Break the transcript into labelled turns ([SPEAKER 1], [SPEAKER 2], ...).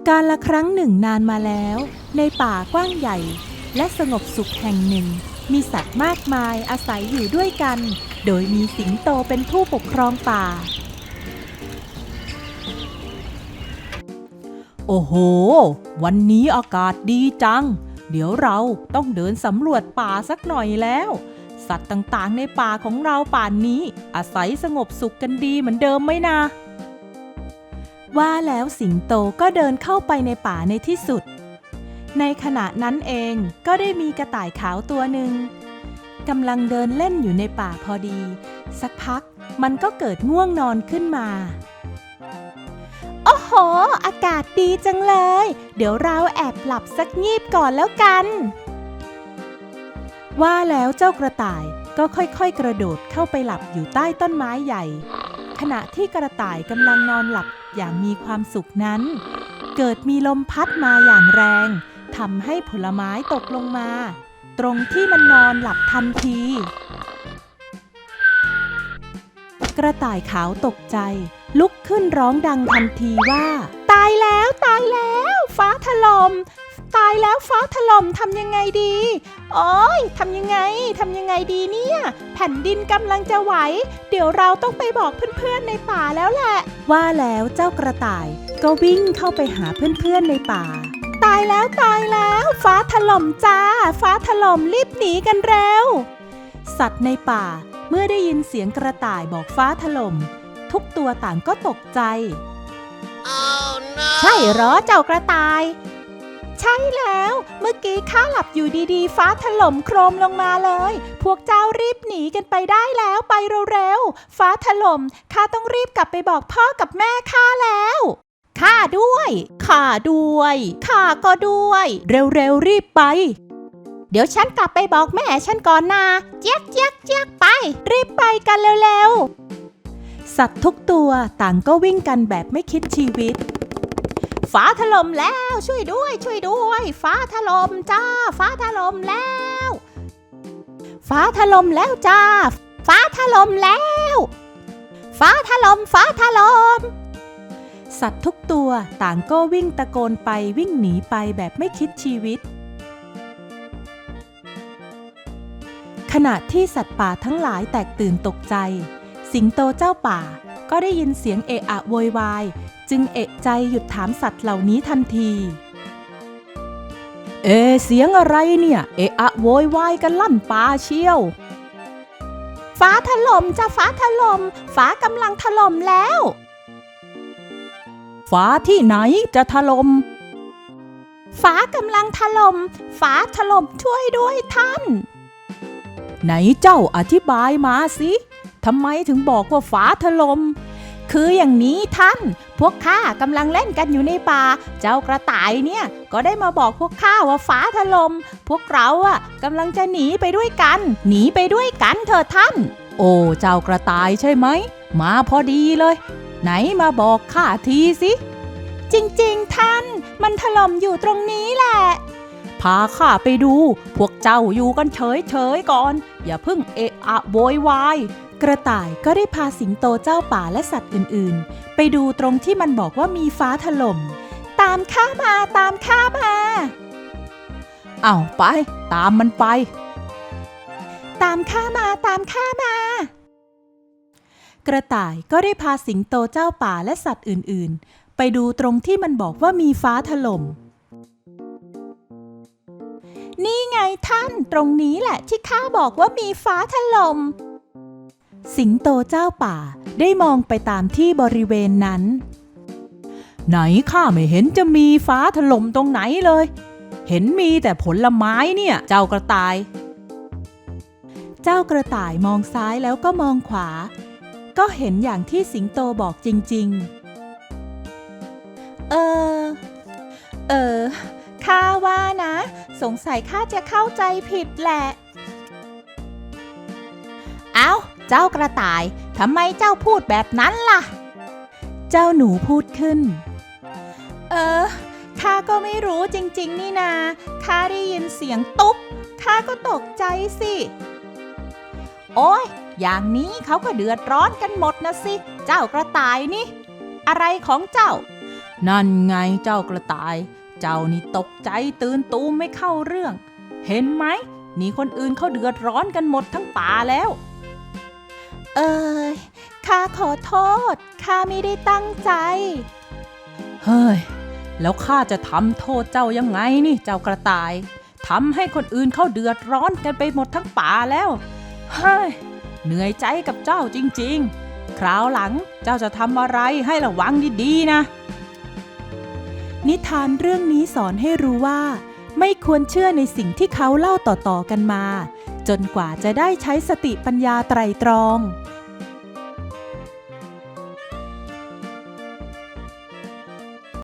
[SPEAKER 1] กาลครั้งหนึ่งนานมาแล้วในป่ากว้างใหญ่และสงบสุขแห่งหนึ่งมีสัตว์มากมายอาศัยอยู่ด้วยกันโดยมีสิงโตเป็นผู้ปกครองป่าโอ้โหวันนี้อากาศดีจังเดี๋ยวเราต้องเดินสำรวจป่าสักหน่อยแล้วสัตว์ต่างๆในป่าของเราป่านนี้อาศัยสงบสุขกันดีเหมือนเดิมไหมนะว่าแล้วสิงโตก็เดินเข้าไปในป่าในที่สุดในขณะนั้นเองก็ได้มีกระต่ายขาวตัวหนึ่งกำลังเดินเล่นอยู่ในป่าพอดีสักพักมันก็เกิดง่วงนอนขึ้นมาโอ้โหอากาศดีจังเลยเดี๋ยวเราแอบหลับสักงีบก่อนแล้วกันว่าแล้วเจ้ากระต่ายก็ค่อยๆกระโดดเข้าไปหลับอยู่ใต้ต้นไม้ใหญ่ขณะที่กระต่ายกำลังนอนหลับอย่างมีความสุขนั้นเกิดมีลมพัดมาอย่างแรงทำให้ผลไม้ตกลงมาตรงที่มันนอนหลับทันทีกระต่ายขาวตกใจลุกขึ้นร้องดังทันทีว่าตายแล้วตายแล้วฟ้าถล่มตายแล้วฟ้าถล่มทำยังไงดีโอ๊ยทำยังไงดีเนี่ยแผ่นดินกำลังจะไหวเดี๋ยวเราต้องไปบอกเพื่อนๆในป่าแล้วแหละว่าแล้วเจ้ากระต่ายก็วิ่งเข้าไปหาเพื่อนๆในป่าตายแล้วฟ้าถล่มจ้าฟ้าถล่มรีบหนีกันเร็วสัตว์ในป่าเมื่อได้ยินเสียงกระต่ายบอกฟ้าถล่มทุกตัวต่างก็ตกใจ
[SPEAKER 2] Oh, no.
[SPEAKER 1] ใช่เหรอเจ้ากระต่ายใช่แล้วเมื่อกี้ข้าหลับอยู่ดีๆฟ้าถล่มโครมลงมาเลยพวกเจ้ารีบหนีกันไปได้แล้วไปเร็วๆฟ้าถล่มข้าต้องรีบกลับไปบอกพ่อกับแม่ข้าแล้วข้าด้วยข้าก็ด้วยเร็วๆรีบไปเดี๋ยวฉันกลับไปบอกแม่ฉันก่อนนะเจี๊ยกไปรีบไปกันเร็วๆสัตว์ทุกตัวต่างก็วิ่งกันแบบไม่คิดชีวิตฟ้าถล่มแล้วช่วยด้วยฟ้าถล่มจ้าฟ้าถล่มแล้วฟ้าถล่มแล้วจ้าฟ้าถล่มแล้วฟ้าถล่มสัตว์ทุกตัวต่างก็วิ่งตะโกนไปวิ่งหนีไปแบบไม่คิดชีวิตขณะที่สัตว์ป่าทั้งหลายแตกตื่นตกใจสิงโตเจ้าป่าก็ได้ยินเสียงเอะอะโวยวายจึงเอะใจหยุดถามสัตว์เหล่านี้ทันทีเสียงอะไรเนี่ยเอะอะโวยวายกันลั่นป่าเชียวฟ้าถล่มจ้ะฟ้าถล่มฟ้ากำลังถล่มแล้วฟ้าที่ไหนจะถล่มฟ้ากำลังถล่มฟ้าถล่มช่วยด้วยท่านไหนเจ้าอธิบายมาสิทำไมถึงบอกว่าฟ้าถล่มคืออย่างนี้ท่านพวกข้ากำลังเล่นกันอยู่ในป่าเจ้ากระต่ายเนี่ยก็ได้มาบอกพวกข้าว่าฟ้าถล่มพวกเรากำลังจะหนีไปด้วยกันเถอะท่านโอ้เจ้ากระต่ายใช่ไหมมาพอดีเลยไหนมาบอกข้าทีสิจริงๆท่านมันถล่มอยู่ตรงนี้แหละพาข้าไปดูพวกเจ้าอยู่กันเฉยๆก่อนอย่าเพิ่งเอะอะโวยวายกระต่ายก็ได้พาสิงโตเจ้าป่าและสัตว์อื่นๆไปดูตรงที่มันบอกว่ามีฟ้าถล่มตามข้ามาเอาไปตามมันไปตามข้ามากระต่ายก็ได้พาสิงโตเจ้าป่าและสัตว์อื่นๆไปดูตรงที่มันบอกว่ามีฟ้าถล่มนี่ไงท่านตรงนี้แหละที่ข้าบอกว่ามีฟ้าถล่มสิงโตเจ้าป่าได้มองไปตามที่บริเวณนั้นไหนข้าไม่เห็นจะมีฟ้าถล่มตรงไหนเลยเห็นมีแต่ผลไม้เนี่ยเจ้ากระต่ายมองซ้ายแล้วก็มองขวาก็เห็นอย่างที่สิงโตบอกจริงๆข้าว่านะสงสัยข้าจะเข้าใจผิดแหละเอ้าเจ้ากระต่ายทำไมเจ้าพูดแบบนั้นล่ะเจ้าหนูพูดขึ้นข้าก็ไม่รู้จริงๆนี่นาข้าได้ยินเสียงตุ๊บข้าก็ตกใจสิโอ๊ยอย่างนี้เขาก็เดือดร้อนกันหมดนะสิเจ้ากระต่ายนี่อะไรของเจ้านั่นไงเจ้ากระต่าย เจ้านี่ตกใจตื่นตูมไม่เข้าเรื่อง เห็นไหมนี่คนอื่นเขาเดือดร้อนกันหมดทั้งป่าแล้วข้าขอโทษข้าไม่ได้ตั้งใจเฮ้ยแล้วข้าจะทำโทษเจ้ายังไงนี่เจ้ากระต่ายทำให้คนอื่นเขาเดือดร้อนกันไปหมดทั้งป่าแล้วเฮ้ยเหนื่อยใจกับเจ้าจริงๆคราวหลังเจ้าจะทำอะไรให้ระวังดีๆนะนิทานเรื่องนี้สอนให้รู้ว่าไม่ควรเชื่อในสิ่งที่เขาเล่าต่อๆกันมาจนกว่าจะได้ใช้สติปัญญาไตร่ตรอง